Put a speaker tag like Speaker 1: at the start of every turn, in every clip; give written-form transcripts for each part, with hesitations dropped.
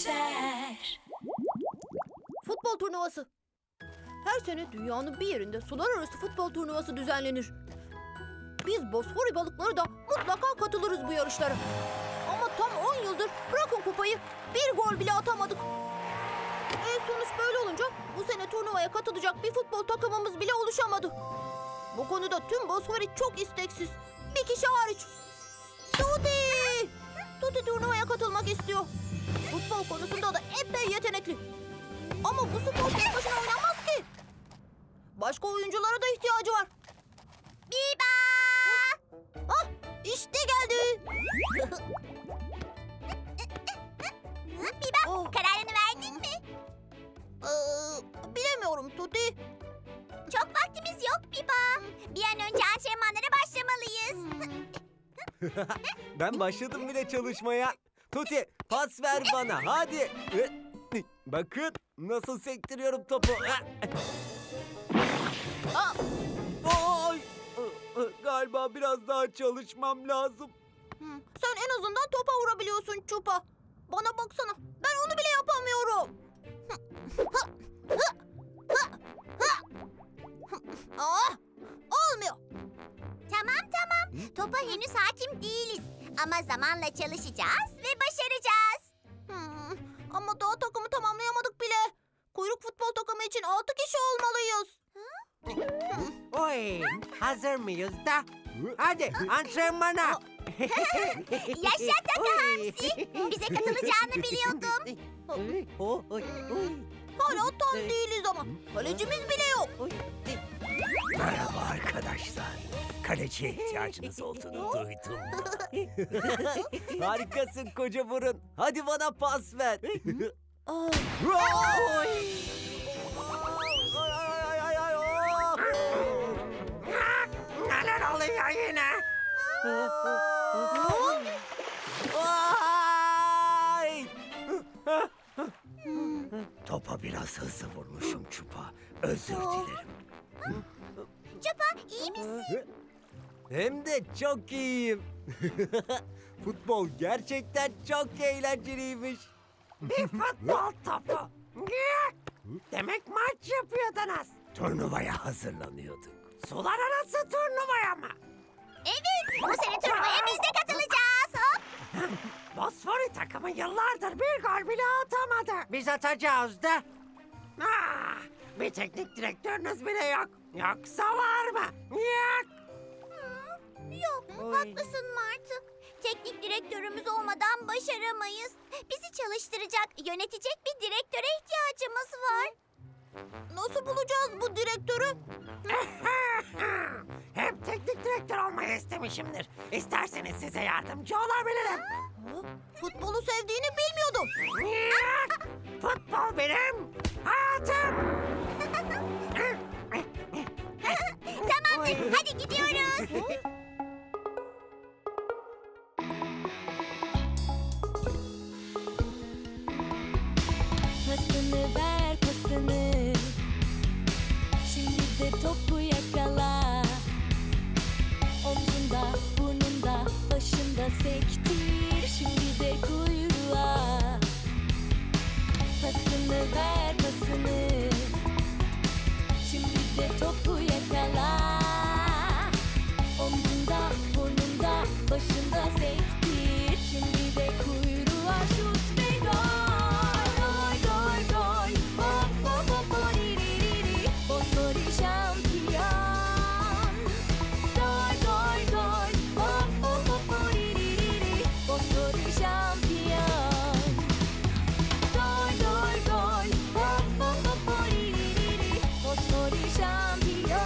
Speaker 1: geçer.
Speaker 2: Futbol turnuvası. Her sene dünyanın bir yerinde sular arası futbol turnuvası düzenlenir. Biz Bosfori balıkları da mutlaka katılırız bu yarışlara. Ama tam 10 yıldır bırakın kupayı, bir gol bile atamadık. Sonuç böyle olunca bu sene turnuvaya katılacak bir futbol takımımız bile oluşamadı. Bu konuda tüm Bosfori çok isteksiz. Bir kişi hariç. Tuti! Tuti turnuvaya katılmak istiyor. Futbol konusunda da epey yetenekli. Ama bu spor tek başına oynanmaz ki. Başka oyunculara da ihtiyacı var. Biba! Ah, işte geldi.
Speaker 3: Biba, kararını verdin mi?
Speaker 2: Bilemiyorum Tuti.
Speaker 3: Çok vaktimiz yok Biba. Bir an önce antrenmanlara başlamalıyız.
Speaker 4: Ben başladım bile çalışmaya. Tuti pas ver bana hadi. Bakın nasıl sektiriyorum topu.
Speaker 2: Aa,
Speaker 4: Ay! Galiba biraz daha çalışmam lazım.
Speaker 2: sen en azından topa vurabiliyorsun Çupa. Bana baksana, ben onu bile yapamıyorum. Olmuyor.
Speaker 3: Tamam. Topa henüz hakim değiliz. Ama zamanla çalışacağız ve başaracağız.
Speaker 2: Ama daha takımı tamamlayamadık bile. Kuyruk futbol takımı için 6 kişi olmalıyız.
Speaker 5: Oy, hazır mıyız da? Hadi antrenmana.
Speaker 3: Yaşa Taka Hamsi. Bize katılacağını biliyordum.
Speaker 2: Hala tam değiliz ama. Kalecimiz bile yok.
Speaker 6: Merhaba arkadaşlar. Kaleciye ihtiyacınız olduğunu duydum.
Speaker 4: Harikasın koca burun. Hadi bana pas ver.
Speaker 5: Neler oluyor yine?
Speaker 4: Ay!
Speaker 6: Topa biraz hızlı vurmuşum Çupa. Özür dilerim.
Speaker 3: Çupa iyi misin?
Speaker 4: Hem de çok iyiyim. Futbol gerçekten çok eğlenceliymiş.
Speaker 5: Bir futbol topu. Demek maç yapıyordunuz.
Speaker 6: Turnuvaya hazırlanıyorduk.
Speaker 5: Sular arası turnuvaya mı?
Speaker 3: Evet. Bu sene turnuvaya biz de katılacağız. Hop.
Speaker 5: Bosfori takımı yıllardır bir gol bile atamadı. Biz atacağız da. Bir teknik direktörünüz bile yok. Yoksa var mı? Yok.
Speaker 3: Yok, haklısın Martı. Teknik direktörümüz olmadan başaramayız. Bizi çalıştıracak, yönetecek bir direktöre ihtiyacımız var.
Speaker 2: Nasıl bulacağız bu direktörü?
Speaker 5: Hep teknik direktör olmayı istemişimdir. İsterseniz size yardımcı olabilirim.
Speaker 2: Futbolu sevdiğini bilmiyordum.
Speaker 5: Yok. Futbol benim hayatım.
Speaker 3: Tamamdır, hadi gidiyoruz.
Speaker 1: Pasını ver pasını. Şimdi de topu yakala. Omzunda, burnunda, başında sektir. Şimdi de kuyruğa. Pasını ver pasını. Şimdi de topu yakala. Omzunda, burnunda, başında sektir. Şimdi de kuyruğa şut ve gol. Gol, gol, gol. Hop, hop, hop, horiririri. Bosfori şampiyon. Gol, gol, gol. Hop, hop, hop, horiririri. Bosfori şampiyon. Gol, gol, gol. Hop, hop, hop, horiririri. Bosfori şampiyon.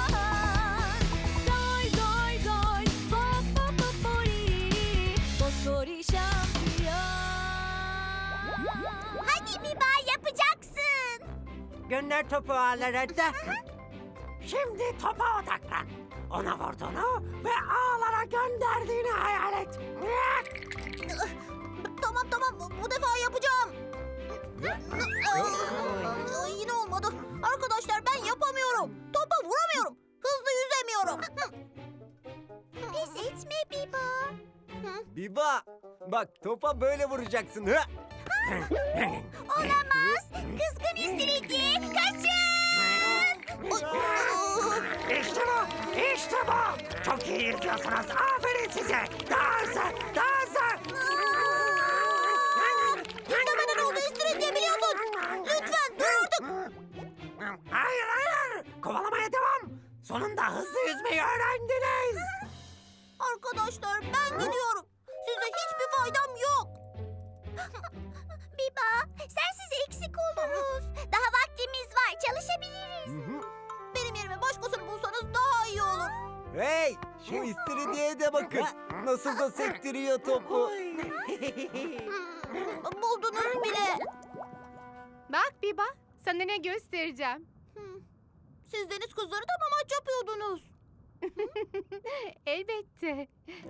Speaker 1: Gol, gol, gol. Hop, hop, hop, horiririri. Bosfori şampiyon.
Speaker 3: Hadi Biba, yapacaksın.
Speaker 5: Gönder topu ağlara da. Şimdi topa odaklan. Ona vurduğunu ve ağlara gönderdiğini hayal et.
Speaker 2: Tamam, bu defa yapacağım. Yine olmadı. Arkadaşlar ben yapamıyorum. Topa vuramıyorum. Hızlı yüzemiyorum.
Speaker 3: Pes etme Biba.
Speaker 4: Biba bak topa böyle vuracaksın.
Speaker 3: Olamaz. Kızgın istiridye. Kaçın.
Speaker 5: İşte bu, işte bu. Çok iyi yırtıyorsunuz. Aferin size. Daha hızlı, daha hızlı.
Speaker 3: İstemeden oldu istiridye biliyorsun. Lütfen dur artık.
Speaker 5: Hayır, hayır. Kovalamaya devam. Sonunda hızlı yüzmeyi öğrendiniz.
Speaker 3: Arkadaşlar ben gidiyorum. Size hiçbir faydam yok. Biba, sensiz eksik oluruz. Daha vaktimiz var, çalışabiliriz. Benim yerime başkasını bulsanız daha iyi olur.
Speaker 4: Hey, şu istiridyeye de bakın. Nasıl da sektiriyor topu.
Speaker 3: Buldunuz bile.
Speaker 7: Bak Biba, sana ne göstereceğim.
Speaker 2: Siz deniz kızları da mı maç yapıyordunuz?
Speaker 7: Elbette.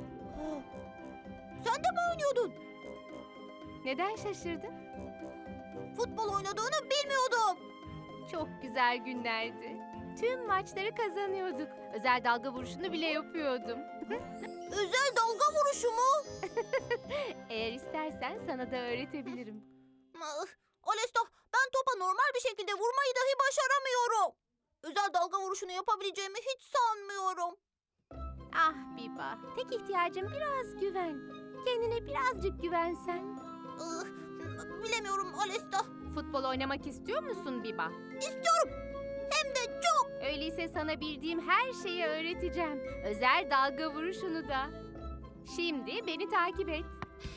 Speaker 2: Sen de mi oynuyordun?
Speaker 7: Neden şaşırdın?
Speaker 2: Futbol oynadığını bilmiyordum.
Speaker 7: Çok güzel günlerdi. Tüm maçları kazanıyorduk. Özel dalga vuruşunu bile yapıyordum.
Speaker 2: Özel dalga vuruşu mu?
Speaker 7: Eğer istersen sana da öğretebilirim.
Speaker 2: Alesta, ben topa normal bir şekilde vurmayı dahi başaramıyorum. Özel dalga vuruşunu yapabileceğimi hiç sanmıyorum.
Speaker 7: Ah Biba, tek ihtiyacım biraz güven. Kendine birazcık güvensen.
Speaker 2: Bilemiyorum Alesta.
Speaker 7: Futbol oynamak istiyor musun Biba?
Speaker 2: İstiyorum. Hem de çok.
Speaker 7: Öyleyse sana bildiğim her şeyi öğreteceğim. Özel dalga vuruşunu da. Şimdi beni takip et.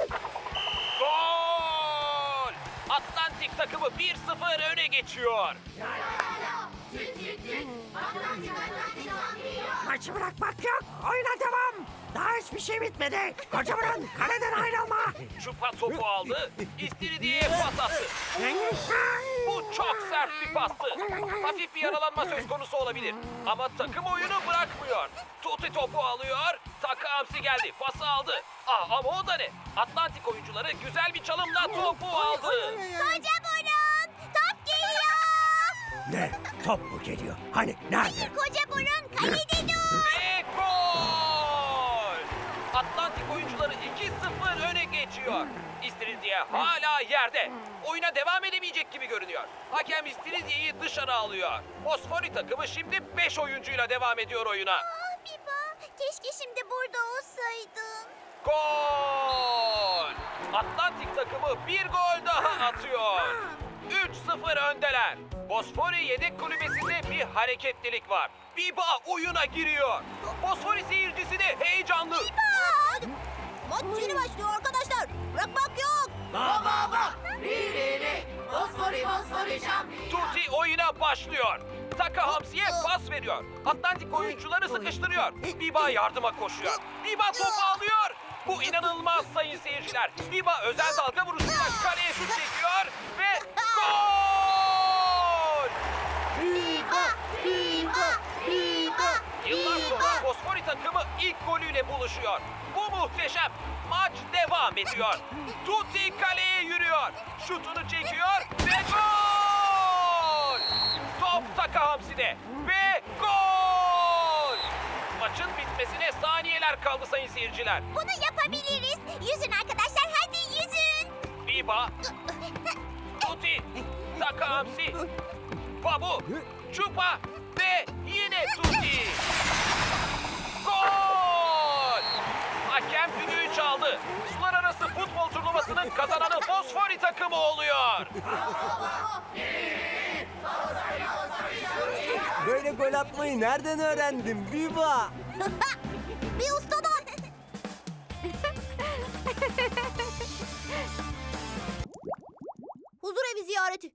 Speaker 8: Gol! Atlantik takımı 1-0 öne geçiyor.
Speaker 5: Maçı bırakmak yok. Oyuna devam. Daha hiçbir şey bitmedi. Koca burun, kaleden ayrılma.
Speaker 8: Çupa topu aldı, İstiridye'ye pas attı. Bu çok sert bir pastı. Hafif bir yaralanma söz konusu olabilir. Ama takım oyunu bırakmıyor. Tuti topu alıyor, Taka Hamsi geldi, pası aldı. Ama o da ne? Atlantik oyuncuları güzel bir çalımla topu aldı.
Speaker 3: Koca burun, top geliyor.
Speaker 6: Ne? Top mu geliyor? Hani nerede?
Speaker 3: Koca burun, kalede dur.
Speaker 8: Ve gol! Atlantik oyuncuları 2-0 öne geçiyor. İstiridye hala yerde. Oyuna devam edemeyecek gibi görünüyor. Hakem İstiridye'yi dışarı alıyor. Fosfori takımı şimdi 5 oyuncuyla devam ediyor oyuna.
Speaker 3: Ah Biba, keşke şimdi burada olsaydın.
Speaker 8: Gol! Atlantik takımı bir gol daha atıyor. 3-0 öndeler. Fosfori yedek kulübesinde bir hareketlilik var. Biba oyuna giriyor. Fosfori seyircisi de heyecanlı.
Speaker 2: Maç yeni başlıyor arkadaşlar. Bırakmak yok.
Speaker 8: Tuti oyuna başlıyor. Taka Hamsi'ye pas veriyor. Atlantik oyuncuları sıkıştırıyor. Biba yardıma koşuyor. Biba topu alıyor. Bu inanılmaz sayın seyirciler. Biba özel dalga vuruşuyla kaleye şut çekiyor ve gol! Yıllar sonra Fosfori takımı ilk golüyle buluşuyor. Bu muhteşem. Maç devam ediyor. Tuti kaleye yürüyor. Şutunu çekiyor ve gol! Top Taka Hamsi'de ve gol! Maçın bitmesine saniyeler kaldı sayın seyirciler.
Speaker 3: Bunu yapabiliriz. Yüzün arkadaşlar, hadi yüzün.
Speaker 8: Biba, Tuti, Taka Hamsi, Babu, Çupa ve yine Tuti. Gol! Hakem düdüğü çaldı. Sular arası futbol turnuvasının kazananı Fosfori takımı oluyor.
Speaker 4: Böyle gol atmayı nereden öğrendin Biba?
Speaker 2: Bir ustadan. Huzur evi ziyareti.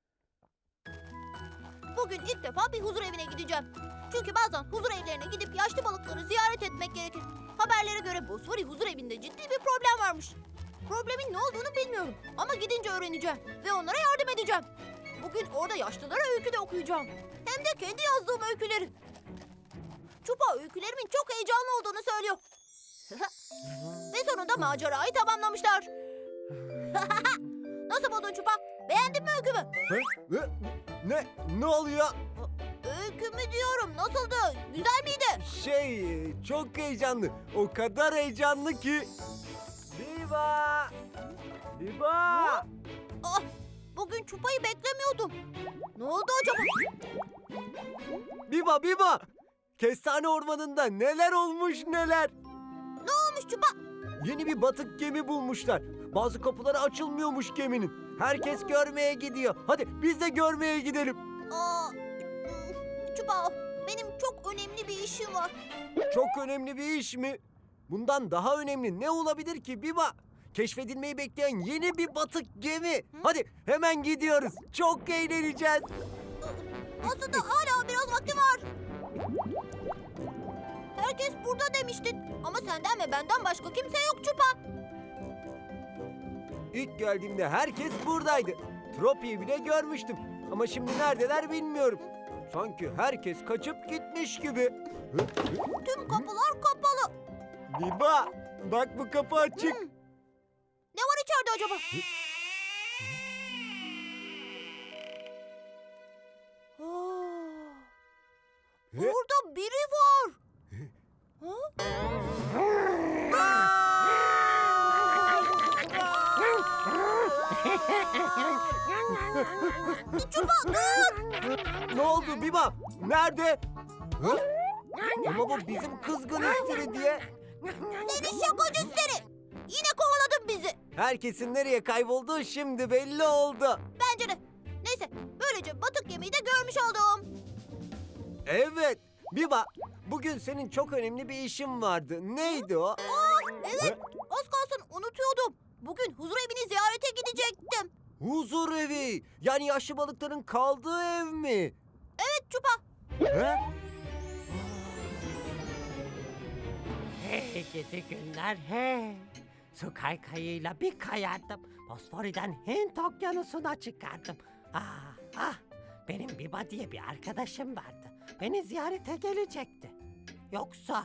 Speaker 2: Bugün ilk defa bir huzur evine gideceğim. Çünkü bazen huzur evlerine gidip yaşlı balıkları ziyaret etmek gerekir. Haberlere göre Bosfori huzur evinde ciddi bir problem varmış. Problemin ne olduğunu bilmiyorum ama gidince öğreneceğim ve onlara yardım edeceğim. Bugün orada yaşlılara öykü de okuyacağım. Hem de kendi yazdığım öyküleri. Çupa öykülerimin çok heyecanlı olduğunu söylüyor. Ve sonunda macerayı tamamlamışlar. Nasıl buldun Çupa? Beğendin mi öykümü?
Speaker 4: Ne oluyor?
Speaker 2: Öykümü diyorum. Nasıldı? Güzel miydi?
Speaker 4: Çok heyecanlı. O kadar heyecanlı ki. Biba! Biba!
Speaker 2: Ah, bugün Çupa'yı beklemiyordum. Ne oldu acaba?
Speaker 4: Biba Biba! Kestane ormanında neler olmuş neler.
Speaker 2: Ne olmuş Çupa?
Speaker 4: Yeni bir batık gemi bulmuşlar. Bazı kapıları açılmıyormuş geminin. Herkes görmeye gidiyor. Hadi biz de görmeye gidelim.
Speaker 2: Çupa, benim çok önemli bir işim var.
Speaker 4: Çok önemli bir iş mi? Bundan daha önemli ne olabilir ki Biba? Keşfedilmeyi bekleyen yeni bir batık gemi. Hadi hemen gidiyoruz. Çok eğleneceğiz.
Speaker 2: Aslında hala biraz vakti var. Herkes burada demiştin. Ama senden ve benden başka kimse yok Çupa.
Speaker 4: İlk geldiğimde herkes buradaydı. Tropi'yi bile görmüştüm. Ama şimdi neredeler bilmiyorum. Sanki herkes kaçıp gitmiş gibi.
Speaker 2: Tüm kapılar kapalı.
Speaker 4: Biba, bak bu kapı açık.
Speaker 2: Ne var içeride acaba? Burada biri var. Çupa dur.
Speaker 4: Ne oldu Biba? Nerede? Hı? Ama bu bizim kızgın istiridye.
Speaker 2: Seni şakacı seni. Yine kovaladın bizi.
Speaker 4: Herkesin nereye kaybolduğu şimdi belli oldu.
Speaker 2: Bence de. Neyse, böylece batık gemiyi de görmüş oldum.
Speaker 4: Evet. Biba, bugün senin çok önemli bir işin vardı. Neydi o?
Speaker 2: Evet, az kalsın unutuyordum. Bugün huzur evini ziyarete gidecektim.
Speaker 4: Huzur evi. Yani yaşlı balıkların kaldığı ev mi?
Speaker 2: Evet Çupa.
Speaker 4: He?
Speaker 5: Hey gidi günler hey. Su kaykayıyla bir kayardım. Bosfori'den Hint okyanusuna çıkardım. Benim Biba diye bir arkadaşım vardı. Beni ziyarete gelecekti. Yoksa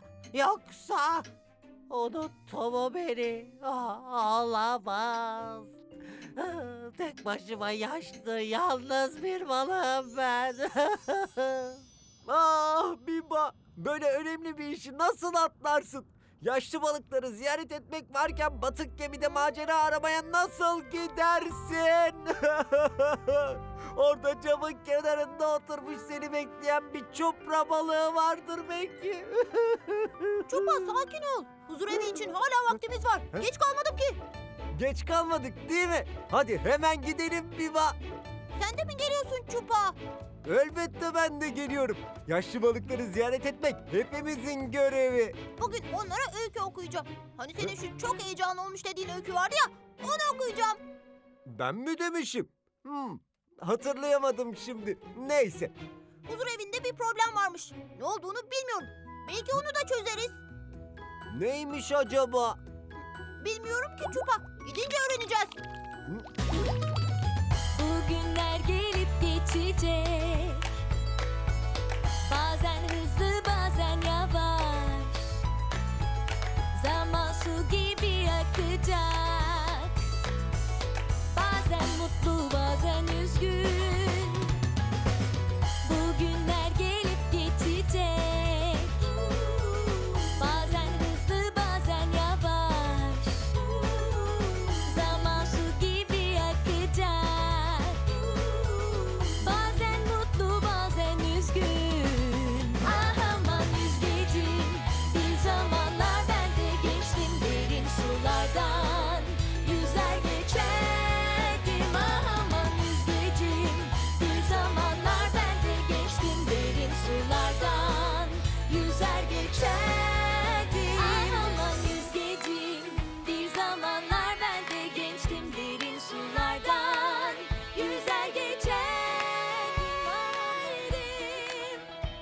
Speaker 5: unuttu mu beni? Olamaz. Tek başıma yaşlı, yalnız bir balığım ben.
Speaker 4: Ah Biba, böyle önemli bir işi nasıl atlarsın? Yaşlı balıkları ziyaret etmek varken batık gemide macera aramaya nasıl gidersin? Orada camın kenarında oturmuş seni bekleyen bir çupra balığı vardır belki.
Speaker 2: Çupa sakin ol. Huzur evi için hala vaktimiz var. Geç kalmadım ki.
Speaker 4: Geç kalmadık değil mi? Hadi hemen gidelim Biba.
Speaker 2: Sen de mi geliyorsun Çupa?
Speaker 4: Elbette ben de geliyorum. Yaşlı balıkları ziyaret etmek hepimizin görevi.
Speaker 2: Bugün onlara öykü okuyacağım. Hani senin şu çok heyecanlı olmuş dediğin öykü vardı ya, onu okuyacağım.
Speaker 4: Ben mi demişim? Hatırlayamadım şimdi. Neyse.
Speaker 2: Huzur evinde bir problem varmış. Ne olduğunu bilmiyorum. Belki onu da çözeriz.
Speaker 4: Neymiş acaba?
Speaker 2: Bilmiyorum ki Çupa. Gidince öğreneceğiz.
Speaker 1: Bugünler gelip geçecek. Bazen hızlı bazen yavaş. Zaman su gibi akacak. Bazen mutlu bazen üzgün. Bugünler gelip geçecek. Bazen hızlı bazen yavaş. Zaman su gibi akacak. Bazen mutlu bazen üzgün. Ah aman yüzgecim. Bir zamanlar ben de geçtim derin sulardan. Yüzer geçerdim. Ah aman yüzgecim. Bir zamanlar ben de geçtim derin sulardan. Yüzer geçerdim. Ah aman yüzgecim. Bir zamanlar ben de geçtim derin sulardan. Yüzer geçerdim. Ah derim.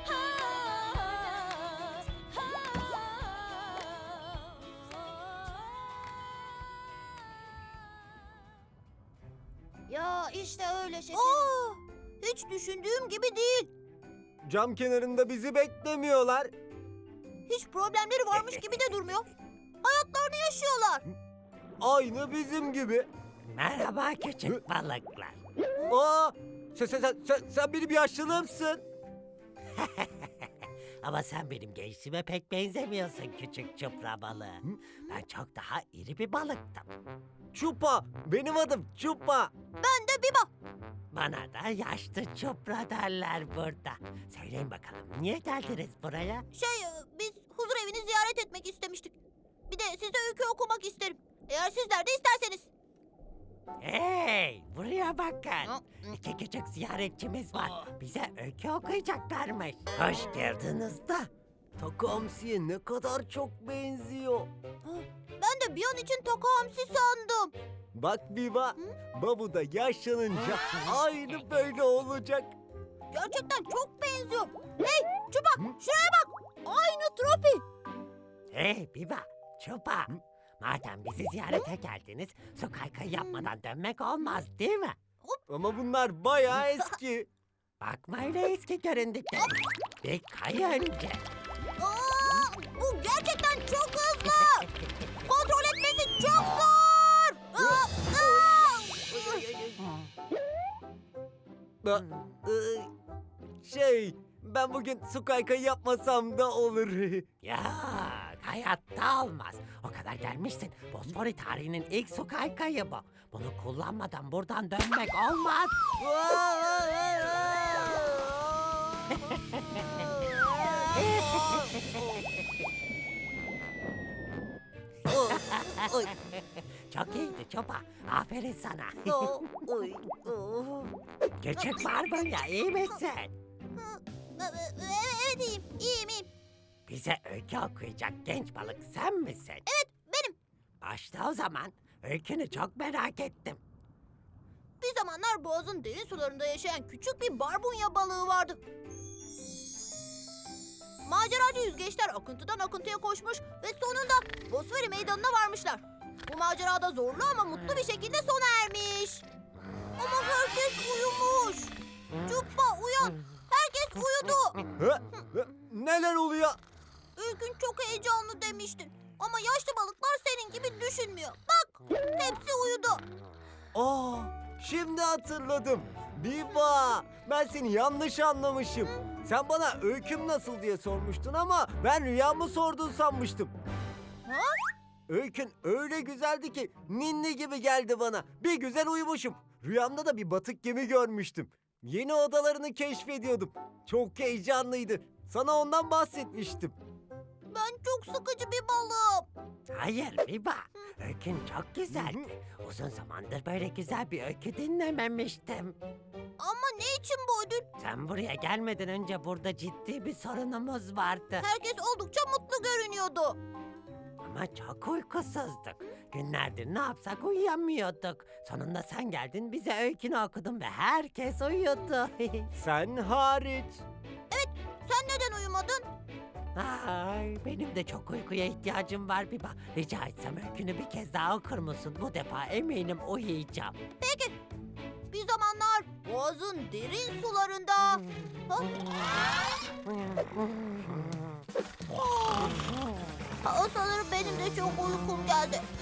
Speaker 3: Ya işte öyle şekerim.
Speaker 2: Hiç düşündüğüm gibi değil.
Speaker 4: Cam kenarında bizi beklemiyorlar.
Speaker 2: Hiç problemleri varmış gibi de durmuyor. Hayatlarını yaşıyorlar.
Speaker 4: Aynı bizim gibi.
Speaker 5: Merhaba küçük balıklar.
Speaker 4: Aa, sen benim yaşlılığımsın.
Speaker 5: Ama sen benim gençliğime pek benzemiyorsun küçük çupra balığı. Ben çok daha iri bir balıktım.
Speaker 4: Çupa, benim adım Çupa.
Speaker 2: Ben de Biba.
Speaker 5: Bana da yaşlı çupra derler burada. Söyleyin bakalım niye geldiniz buraya?
Speaker 2: Biz huzur evini ziyaret etmek istemiştik. Bir de size öykü okumak isterim. Eğer sizler de isterseniz.
Speaker 5: Hey, buraya bakın. İki küçük ziyaretçimiz var. Bize öykü okuyacaklarmış. Hoş geldiniz de.
Speaker 4: Takamsi'ye ne kadar çok benziyor.
Speaker 2: Ben de bir an için Takamsi sandım.
Speaker 4: Bak Biba, Babu da yaşlanınca aynı böyle olacak.
Speaker 2: Gerçekten çok benziyor. Hey Çupa şuraya bak. Aynı Tropi.
Speaker 5: Hey Biba, Çupa. Madem bizi ziyarete geldiniz, su kaykayı yapmadan dönmek olmaz değil mi?
Speaker 4: Ama bunlar bayağı eski.
Speaker 5: Bakma öyle eski göründükleri. Bir kay önce.
Speaker 2: Aa, bu gerçekten çok hızlı. Kontrol etmesi çok zor.
Speaker 4: Ben bugün su kaykayı yapmasam da olur.
Speaker 5: Ya hayatta olmaz. O kadar gelmişsin. Bosfori tarihinin ilk su kaykayı bu. Bunu kullanmadan buradan dönmek olmaz. Çok iyiydi Çopa. Aferin sana. Küçük barbunya iyi misin?
Speaker 2: Evet iyiyim.
Speaker 5: Bize öykü okuyacak genç balık sen misin?
Speaker 2: Evet benim.
Speaker 5: Başla o zaman. Öykünü çok merak ettim.
Speaker 2: Bir zamanlar boğazın derin sularında yaşayan küçük bir barbunya balığı vardı. Maceracı yüzgeçler akıntıdan akıntıya koşmuş ve sonunda Bosfori meydanına varmışlar. Bu macerada zorlu ama mutlu bir şekilde sona ermiş. Ama herkes uyumuş. Çupa uyan. Herkes uyudu.
Speaker 4: Neler oluyor?
Speaker 2: Öykün çok heyecanlı demiştin. Ama yaşlı balıklar senin gibi düşünmüyor. Bak hepsi uyudu.
Speaker 4: Aa, şimdi hatırladım. Biba, ben seni yanlış anlamışım. Sen bana öyküm nasıl diye sormuştun ama ben rüyamı sordun sanmıştım.
Speaker 2: Ha?
Speaker 4: Öykün öyle güzeldi ki ninni gibi geldi bana. Bir güzel uyumuşum. Rüyamda da bir batık gemi görmüştüm. Yeni odalarını keşfediyordum. Çok heyecanlıydı. Sana ondan bahsetmiştim.
Speaker 2: Ben çok sıkıcı bir balığım.
Speaker 5: Hayır Biba. Öykün çok güzeldi. Uzun zamandır böyle güzel bir öykü dinlememiştim.
Speaker 2: Ama ne için bu ödül?
Speaker 5: Sen buraya gelmeden önce burada ciddi bir sorunumuz vardı.
Speaker 2: Herkes oldukça mutlu görünüyordu.
Speaker 5: Ama çok uykusuzduk. Günlerdir ne yapsak uyuyamıyorduk. Sonunda sen geldin bize öykünü okudun ve herkes uyudu.
Speaker 4: Sen hariç.
Speaker 2: Sen neden uyumadın?
Speaker 5: Ay, benim de çok uykuya ihtiyacım var Biba. Rica etsem öykünü bir kez daha okur musun? Bu defa eminim uyuyacağım.
Speaker 2: Bir zamanlar boğazın derin sularında... Sanırım benim de çok uykum geldi.